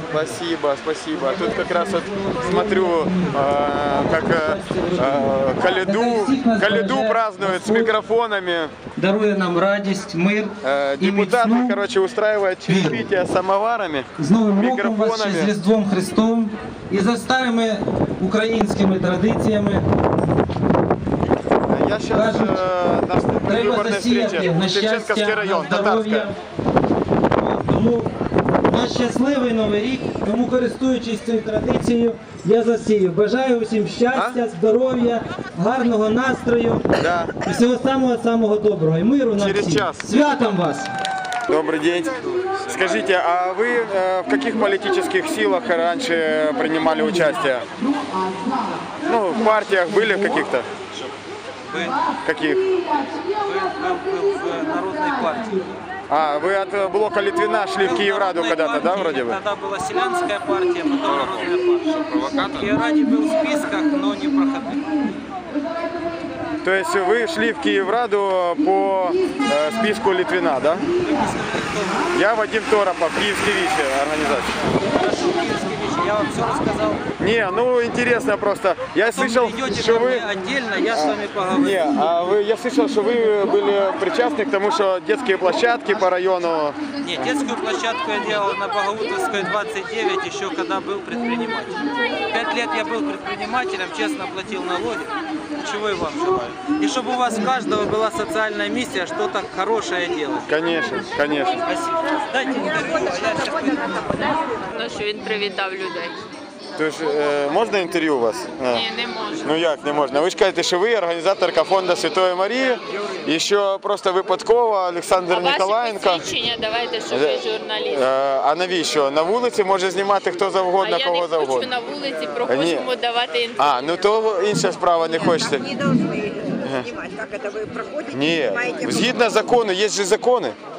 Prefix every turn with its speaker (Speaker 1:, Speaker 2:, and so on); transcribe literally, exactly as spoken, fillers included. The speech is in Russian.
Speaker 1: Спасибо, спасибо. Тут как раз вот смотрю, э, как э, Коляду, Коляду празднуют с микрофонами.
Speaker 2: Дарує нам радість, мир
Speaker 1: Э,
Speaker 2: і
Speaker 1: депутаты,
Speaker 2: міцну
Speaker 1: короче, устраивают чаепитие с самоварами,
Speaker 2: з Новим роком вас, ще з
Speaker 1: микрофонами.
Speaker 2: Різдвом Христом і за старими українськими традиціями.
Speaker 1: Я сейчас
Speaker 2: Кажуть,
Speaker 1: э, на
Speaker 2: треба
Speaker 1: выборной
Speaker 2: засіяти
Speaker 1: встрече,
Speaker 2: на
Speaker 1: Шевченковский
Speaker 2: щастя,
Speaker 1: район,
Speaker 2: на здоров'я.
Speaker 1: Татарская.
Speaker 2: Тому на щасливий Новий рік, тому користуючись цією традицією, я засію. Бажаю усім щастя, здоров'я, гарного настрою
Speaker 1: Да.
Speaker 2: і всього самого-самого доброго. І миру нам
Speaker 1: Через
Speaker 2: всім.
Speaker 1: час.
Speaker 2: Святом вас!
Speaker 1: Добрый день. Скажите, а вы э, в каких политических силах раньше принимали участие? Ну, в партиях были в каких-то? Каких?
Speaker 3: Был, был, был в Народной партии.
Speaker 1: А, вы от блока Литвина шли в Киевраду когда-то, да, вроде бы?
Speaker 3: Тогда была Селянская партия, потом Народная партия. В Киевраде был в списках, но не проходил.
Speaker 1: То есть вы шли в Киевраду по э, списку Литвина, да? Я Вадим Торопов, Киевский ВИЧ организация.
Speaker 3: Хорошо, Киевский ВИЧ, я вам все рассказал.
Speaker 1: Не, ну интересно просто. Я
Speaker 3: Потом
Speaker 1: слышал,
Speaker 3: придете
Speaker 1: что
Speaker 3: ко
Speaker 1: вы...
Speaker 3: мне отдельно, я с вами поговорю.
Speaker 1: Не, а вы, я слышал, что вы были причастны к тому, что детские площадки по району...
Speaker 3: Нет, детскую площадку я делал на Богоутовской двадцать девять, еще когда был предпринимателем. Пять лет я был предпринимателем, честно платил налоги. Чего и вам желаю. И чтобы у вас у каждого была социальная миссия, что-то хорошее делать.
Speaker 1: Конечно, конечно.
Speaker 3: Спасибо. Дайте интервью, а я сейчас пойду.
Speaker 4: Ну, що він привітав людей.
Speaker 1: Тож, е, можна інтерв'ю у вас? Е.
Speaker 4: Ні, не можу.
Speaker 1: Ну як не можна? Ви ж кажете, що ви організаторка фонду Святої Марії, і що просто випадково Олександр
Speaker 4: А ваші
Speaker 1: Ніколаєнко.
Speaker 4: посвідчення давайте, що ви журналіст.
Speaker 1: Е, А навіщо? На вулиці може знімати хто завгодно,
Speaker 4: А я
Speaker 1: кого
Speaker 4: не хочу
Speaker 1: завгодно.
Speaker 4: на вулиці, проходимо давати інтерв'ю.
Speaker 1: А, ну то інша справа, не хочете.
Speaker 5: Не должны снимать, как это вы проходите,
Speaker 1: Ні,
Speaker 5: снимаете.
Speaker 1: згідно закону, є ж закони.